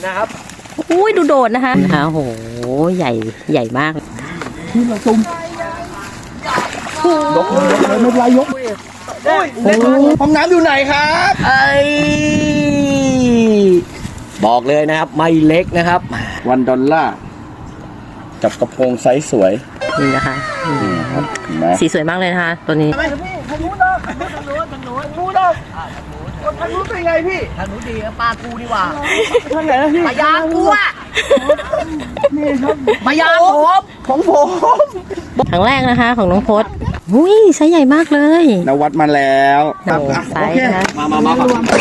นะครับอุ้ยดูโดดนะคะโอ้โหใหญ่มากที่เราซุ่มยกเลยไม่เป็นไรยกห้องน้ำอยู่ไหนครับบอกเลยนะครับไม่เล็กนะครับ $1กับกระโปรงไซส์สวยนี่นะคะสีสวยมากเลยนะคะตัวนี้ทางนู้นเป็นไงพี่ทางนู้นดีปลากูดีกว่าทางไหนนะพี่ปลายางกูอ่ะนี่ครับปลายางของผมครั้งแรกนะคะของน้องพจน์อุ้ยไซส์ใหญ่มากเลยนวัดมาแล้วไซส์นะมา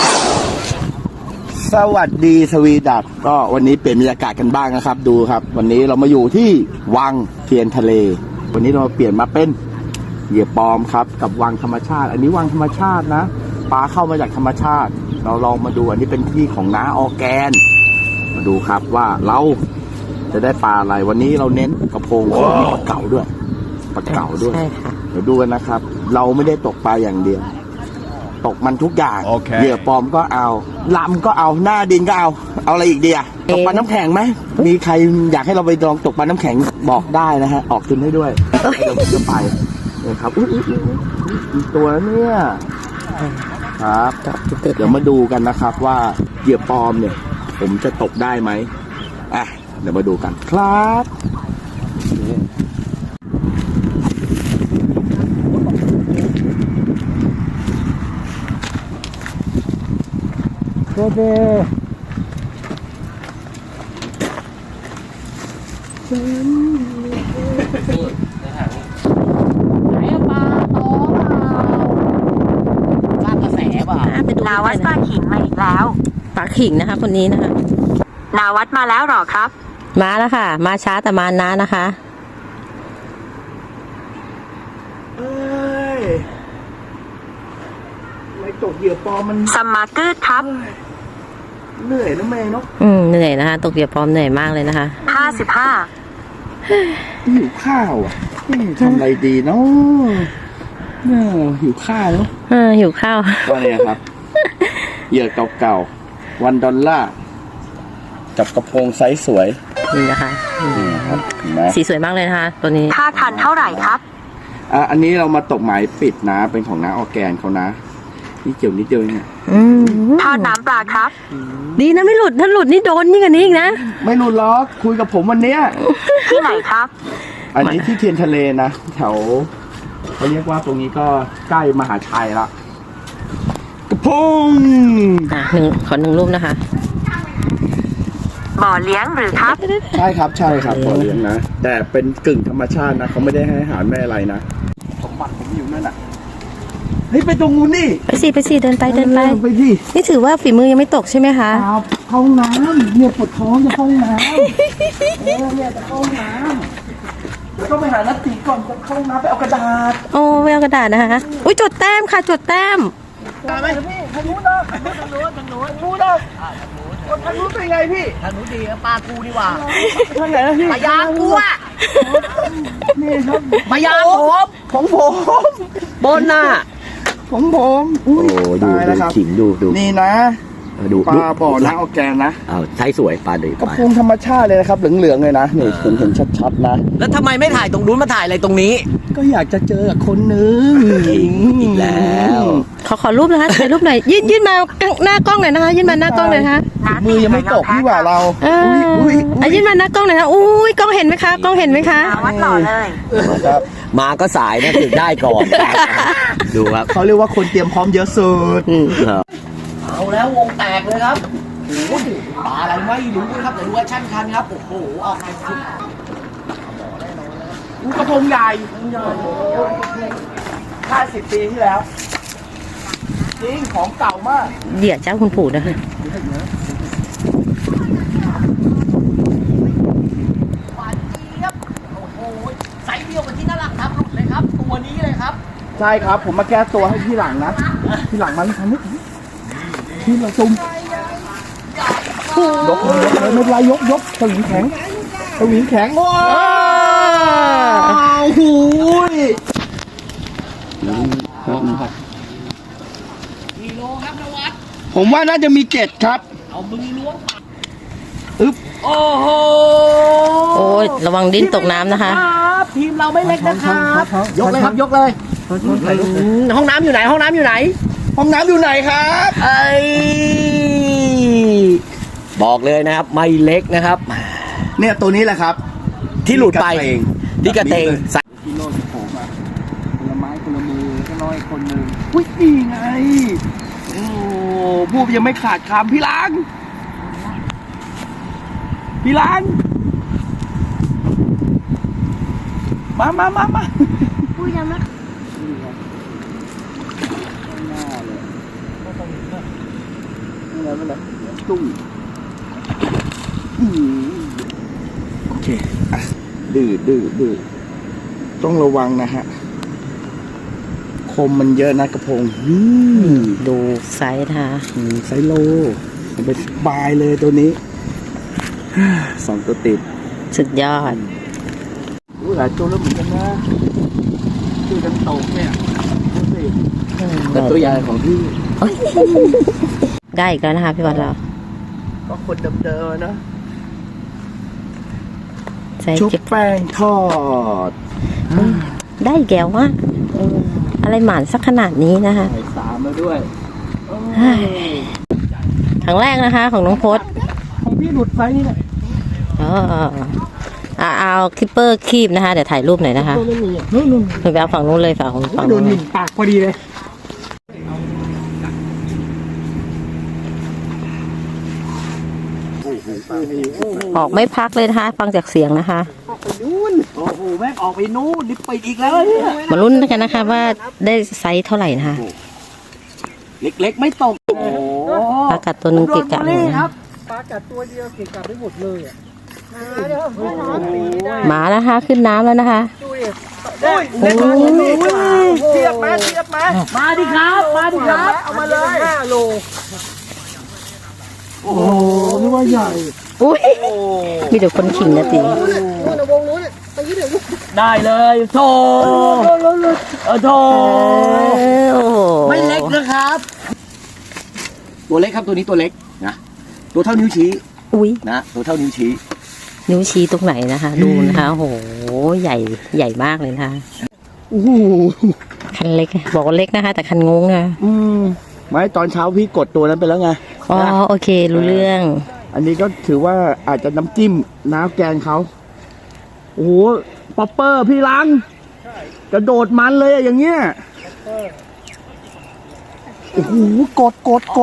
สวัสดีสวีดัตก็วันนี้เปลี่ยนบรรยากาศกันบ้างนะครับดูครับวันนี้เรามาอยู่ที่วังเทียนทะเลวันนี้เรามาเปลี่ยนมาเป็นเหยื่อปลอมครับกับวังธรรมชาติอันนี้วังธรรมชาตินะปลาเข้ามาจากธรรมชาติเราลองมาดูอันนี้เป็นที่ของน้าออร์แกนมาดูครับว่าเราจะได้ปลาอะไรวันนี้เราเน้นกระพงมีปลาเก๋าด้วยปลาเก๋าด้วยเดี๋ยวดูกันนะครับเราไม่ได้ตกปลาอย่างเดียวตกมันทุกอย่างเหยื่อปลอมก็เอาลำก็เอาหน้าดินก็เอาอะไรอีกดีอะตกปลาน้ำแข็งไหมมีใครอยากให้เราไปลองตกปลาน้ำแข็งบอกได้นะฮะออกทุนให้ด้วยเดี๋ยวผมจะไปนะครับอีกตัวเนี่ยครับเดี๋ยวมาดูกันนะครับว่าเหยื่อปลอมเนี่ยผมจะตกได้ไหมเดี๋ยวมาดูกันครับโอเคนาวัดปลาขิงมาอีกแล้วปลาขิงนะคะคนนี้นะคะนาวัดมาแล้วหรอครับมาแล้วค่ะมาช้าแต่มานะนะคะไม่ตกเหยื่อปลอมมันสมาร์เกอร์ครับเหนื่อยนะแม่เนาะเหนื่อยนะคะตกเหยื่อปลอมเหนื่อยมากเลยนะคะ55 หิวข้าวอ่ะทำอะไรดีเนาะหิวข้าวเนาะหิวข้าวว่าเนี่ยครับเหยื่อเก่าๆ$1กับกระโปรงไซส์สวยนี่นะคะสีสวยมากเลยนะคะตัวนี้ค่าคันเท่าไหร่ครับอันนี้เรามาตกหมายปิดนะเป็นของน้าออร์แกนเขานะนี่เกี่ยวนิดเดียวเนี่ยทอดน้ำปลาครับดีนะไม่หลุดถ้าหลุดนี่โดนยิ่งกว่านี้อีกนะไม่หลุดล็อกคุยกับผมวันเนี้ยที่ไหนครับอันนี้ที่เทียนทะเลนะแถวเขาเรียกว่าตรงนี้ก็ใกล้มหาชัยละกระพงขอหนึ่งรูปนะคะบ่อเลี้ยงหรือครับใช่ครับบ่อเลี้ยงนะแต่เป็นกึ่งธรรมชาตินะเขาไม่ได้ให้อาหารแม่อะไรนะสมบัติผมอยู่นั่นน่ะเฮ้ยไปตรงนู้นนี่ไปสิเดินไปดินี่ถือว่าฝีมือยังไม่ตกใช่ไหมคะครับห้องน้ำเนี่ยปวดท้องจะห้องน้ำเนี่ยจะห้องน้ำเดี๋ยวต้องไปหานัดตีก่อนจะเข้าน้ำไปเอากระดาษไปเอากระดาษนะคะอุ้ยจดแต้มค่ะจดแต้มไหมพี่ทางนู้นนะทางนู้นเป็นไงพี่ทางนู้นดีปลากูดีกว่าทางไหนนะพี่ปลายางกูอ่ะนี่ครับปลายางของผมบนน่ะของผมดูขิงดูนี่นะปลาบ่อน้าออร์แกนนะใช้สวยปลาดีกระพงธรรมชาติเลยนะครับเหลืองๆเลยนะนี่เห็นชัดๆนะแล้วทำไมไม่ถ่ายตรงนู้นมาถ่ายอะไรตรงนี้ก็อยากจะเจอกับคนนึงอีกแล้วขอรูปนะคะถ่ายรูปหน่อยยื่นมาหน้ากล้องหน่อยนะคะยื่นมาหน้ากล้องหน่อยนะคะมือยังไม่ตกที่ว่าเรายื่นมาหน้ากล้องหน่อยค่ะกล้องเห็นไหมคะวัดหล่อเลยมาก็สายนะถึงได้ก่อนดูครับเขาเรียกว่าคนเตรียมพร้อมเยอะสุดเอาแล้ววงแตกเลยครับโอ้โหปลาอะไรไม่รู้ครับแต่ดูว่าชั่นคันครับโอ้โหออกมาสุดกระพงใหญ่50 ปีที่แล้วจริงของเก่ามากเดี๋ยวเจ้าคุณปู่นะคะหวานเจี๊ยบโอ้โหไซส์เดียวกับที่น่ารักครับหลุดเลยครับตัวนี้เลยครับใช่ครับผมมาแก้ตัวให้ที่หลังนะที่หลังมันทำไม่ถึงที่เราซุ่มยกเลยไม่เป็นไรยกสวิงแข็งว้าวหูยกิโลครับนวัดผมว่าน่าจะมี7ครับเอามือล้วงอึ๊บโอ้โหโอ้ยระวังดิ้นตกน้ำนะคะรับทีมเราไม่เล็กนะครับยกเลยครับยกเลยห้องน้ำอยู่ไหนห้องน้ำอยู่ไหนห้องน้ำอยู่ไหนครับเอ้ยบอกเลยนะครับไม่เล็กนะครับเนี่ยตัวนี้แหละครับที่หลุดไปที่กระเตงที่โน่นที่ผมอะคนละไม้คนละมือก็น้อยคนหนึ่งอุ้ยนี่ไงโอ้พูดยังไม่ขาดคำพี่ล้างมาพูดยังไม่หน้าเลยไม่เลยตุ้งโอเคอ่ะดื้อต้องระวังนะฮะคมมันเยอะนะกระพงดูไซส์นะคะไซโลมันเป็นบายเลยตัวนี้ สองตัวติดสุดยอดหลายตัวแล้วเหมือนกันนะชื่อกันตกเนี่ยดูสิแต่ตัวใหญ่ของพี่ได้อีกแล้วนะคะพี่วัดเราก็คนเดิมๆนะใส่ชุบเก็บแป้งทอดได้แก้วว่าอะไรหมานสักขนาดนี้นะคะใส่สามมาด้วยครั้งแรกนะคะ ของน้องพศของพี่หลุดไปนี่แหละเอาคลิปเปอร์คีบนะคะเดี๋ยวถ่ายรูปหน่อยนะคะตัวไม่มีนู่นไปเอาฝั่งนู้นเลยฝั่งโดนู้นนหมิ่นปากพอดีเลยออกไม่พักเลยนะคะ ฟังจากเสียงนะคะโอ้โหแม่งออกไปนู่นนี่ไปอีกแล้วเนี่ยมาลุ้นกันนะคะว่าได้ไซส์เท่าไหร่นะคะเล็กๆไม่ตกโอ้โหปลากัดตัวหนึงเกะกะหนึ่งคนะรับปลากัดตัวเดียวเก่งกลับไปหมดเลยอ่ะมาแล้วนะคะขึ้นน้ำแล้วนะคะดูดิโอ้ยเทียบมามาดิครับมาดิครับเอามาเลย5 โลโอ้โหนี่ว่าใหญ่อุ้ยมีแต่คนขิงนะตีนู่นวงนู้นไปยืดเดี๋ยวได้เลยโถโถโอ้โหไม่เล็กนะครับ ตัวเล็กครับตัวนี้ตัวเล็กนะตัวเท่านิ้วชี้อุ้ยนะตัวเท่านิ้วชี้นิ้วชี้ตรงไหนนะคะ ดูนะคะโอ้โหใหญ่ใหญ่มากเลยนะคะโอ้โหคันเล็กบอกว่าเล็กนะคะ แต่คันงงนะไม่ตอนเช้าพี่กดตัวนั้นไปแล้วไงอ๋อโอเครู้เรื่องอันนี้ก็ถือว่าอาจจะน้ำจิ้มน้ำแกงเขาโอ้โหป๊อปเปอร์พี่ล้างกระโดดมันเลยอะอย่างเงี้ยโอ้โหกด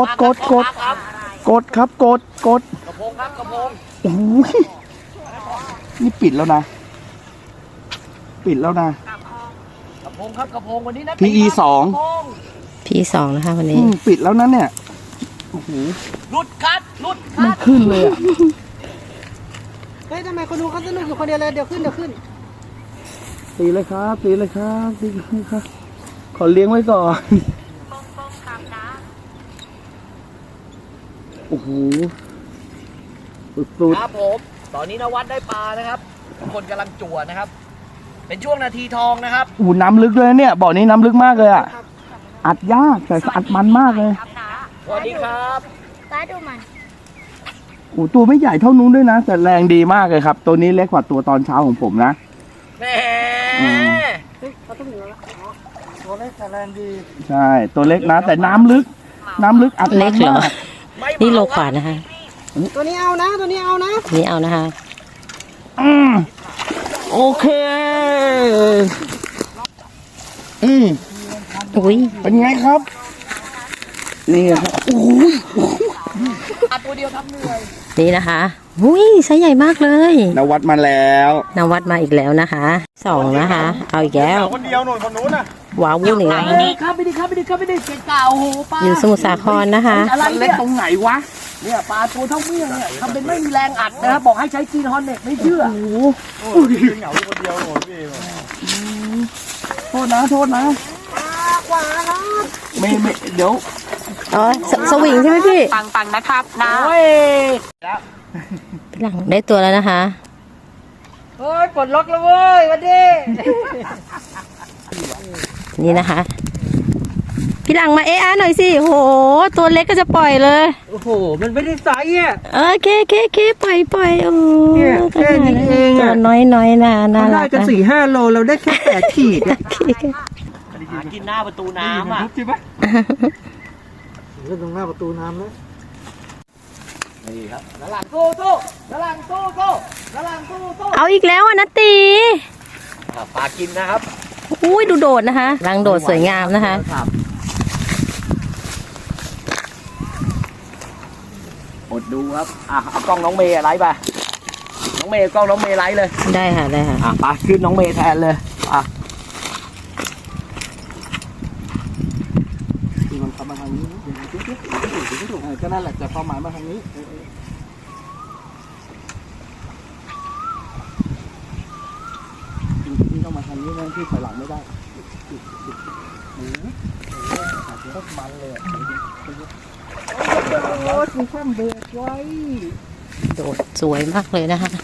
ครับกดกระพงครับกระพงโอ้โหนี่ปิดแล้วนะกระพงครับกระพงวันนี้นะ PE 2 P2 นะคะวันนี้ปิดแล้วนั้นเนี่ยโอ้โหหลุดคัดไม่ขึ้นเลยอะเฮ้ยทำไมคนดูเขาสนุกอยู่คนเดียวเลยเดี๋ยวขึ้นตีเลยครับตีเลยครับขอเลี้ยงไว้ก่อนโอ้โหสุดครับผมตอนนี้นวัดได้ปลานะครับคนกำลังจั่วนะครับ เป็นช่วงนาทีทองนะครับๆโอ้โหน้ำลึกเลยเนี่ยบ่อนี้น้ำลึกมากเลยอ่ะอัดยากแต่อัดมันมากเลยสวัสดีครับป้าดูมันโอ้โหตัวไม่ใหญ่เท่านู้นด้วยนะแต่แรงดีมากเลยครับ ตัวนี้เล็กกว่าตัวตอนเช้าของผมนะแหมตัวเล็กแต่แรงดีใช่ตัวเล็กนะ แต่น้ำลึกอัดมันเล็กเหรอมากนี่โลกว่านะคะตัวนี้เอานะนี่เอานะคะโอเคอุ้ยเป็นไงครับนี่ครับโอ้ยตัวเดียวทำเหนื่อยนี่นะคะอุ้ยไซส์ใหญ่มากเลยนวัดมาแล้วนวัดมาอีกแล้วนะคะ2นะคะ เอาอีกแล้วคนเดียวหน่อยคนนู้นน่ะว้าววุ่นอีกแล้วไม่ดีครับไม่ดีเก่งเก่าโอ้โหปลาอยู่สมุทรสาครนะคะอะไรมันเล็เนี่กยตรงไหนวะเนี่ยปลาตัวเท่าเมี่ยงเนี่ยทำเป็นไม่มีแรงอัดนะครับบอกให้ใช้จีนฮอนเน็ตไม่เชื่อเหงาคนเดียวหน่อยพี่โทษนะขวาครับไม่เดี๋ยวอ๋อสวิงใช่ไหมพี่ปังนะครับนะโอ้ยพี่หลังได้ตัวแล้วนะคะเฮ้ยปลดล็อกแล้วเว้ยวันนี้นี่นะคะพี่พี่หลังมาเอะหน่อยสิโหตัวเล็กก็จะปล่อยเลยโอ้โห มันไม่ได้ไซส์อ่ะเคปล่อยโอ้เนี่ยแค่นี้เองอะตัวน้อยน่าเรารัได้กกันนะ 4-5 โลเราได้แค่8 ขีดอะหากินหน้าประตูน้ำอ่ะใช่ไหมเรื่องตรงหน้าประตูน้ำนะนี่ครับด้านหลังสู้ด้านหลังสู้ด้านหลังสู้เอาอีกแล้วอ่ะนะตีปลากินนะครับอุ้ยดูโดดนะคะรังโดดสวยงามนะคะรับอดดูครับเอากล้องน้องเมย์ไลฟ์ไปน้องเมย์กล้องน้องเมย์ไลฟ์เลยได้ค่ะปลาขึ้นน้องเมย์แทนเลยที่มันเข้ามาทางนี้ก็นั่นแหละจะเข้าหมายมาทางนี้ที่ต้องมาทางนี้นะที่ถอยหลังไม่ได้มันเลยโอ้ยคุณข้ามเบรกไว้โดดสวยมากเลยนะคะ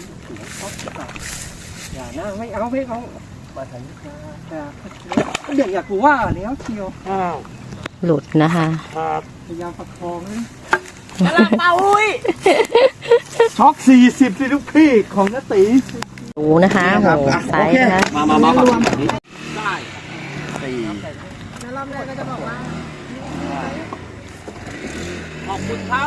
อย่านะไม่เอามาทางนี้เดี๋ยวอยากรู้ว่าแล้วเชียวหลุดนะคะพยายามประคองนะด้านหลังเป่าอุ้ยช็อก40สิลูกพี่ของน้าตีดูนะคะโหไซส์นะคะมาแบบนี้ได้สี่แล้วรอบแรกก็จะบอกว่าขอบคุณครับ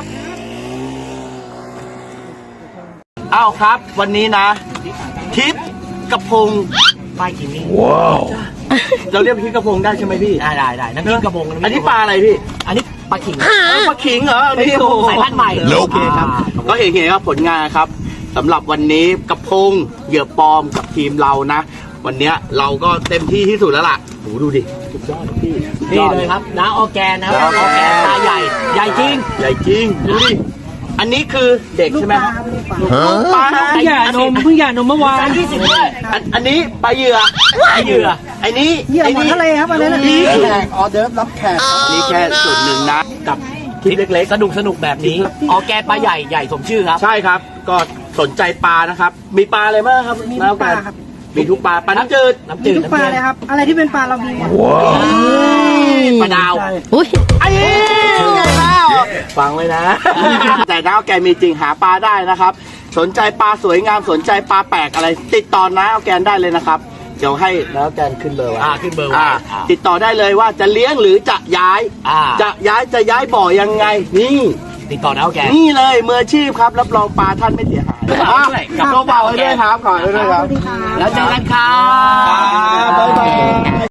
อ้าวครับ วันนี้นะทิปกระพงป้ายกินนี่เราเรียกทิปกระพงได้ใช่ไหมพี่ได้น้ำพริกกระพงอันนี้ปลาอะไรพี่อันนี้ปลาขิงปลาขิงเหรออันนี้เป็นสายพันธุ์ใหม่โอเคครับ ก็เห็นครับผลงานครับสำหรับวันนี้กระพงเหยื่อปลอมกับทีมเรานะ วันเนี้ยเราก็เต็มที่ที่สุดแล้วล่ะโหดูดิสุดยอดพี่นี่เลยครับน้าออร์แกนนะครับน้าออร์แกนตาใหญ่ใหญ่จริงใหญ่จริงดูดิอันนี้คือเด็กใช่ไหมลูกปลาเพิ่งหย่านมเมื่อวานจาน20ด้วยอันนี้ปลาเหยื่อปลาเหยื่อไอ้นี้เหยื่อหมอนทะเลครับอันนั้นนี่แขกออเดิร์ฟรับแขกนี่แค่ส่วนหนึ่งนะกับคลิปเล็กสนุกแบบนี้ออร์แกนปลาใหญ่ใหญ่สมชื่อครับๆใช่ครับ ก็สนใจปลานะครับ มีปลาอะไรบ้างครับมีทุกปลาครับมีทุกปลาปลาน้ำจืดน้ำมีจืดทุกปลาเลยครับ อะไรที่เป็นปลาเรามีหมดปลาดาวอุ้ยไอ้แล้วฟังไว้นะ แต่น้าแกมีจริงหาปลาได้นะครับ สนใจปลาสวยงามสนใจปลาแปลกอะไร ติดต่อน้าแกนได้เลยนะครับ เดี๋ยวให้น้าแกนขึ้นเบอร์ไว้ขึ้นเบอร์ไว้ติดต่อได้เลยว่าจะเลี้ยงหรือจะย้าย จะย้ายบ่อยังไง นี่ติดต่อน้าออร์แกนนี่เลยมืออาชีพครับ รับรองปลาท่านไม่เสียหายกับตัวเบาไว้ด้วยครับขอไว้ด้วยครับแล้วเจอกันครับบ๊ายบาย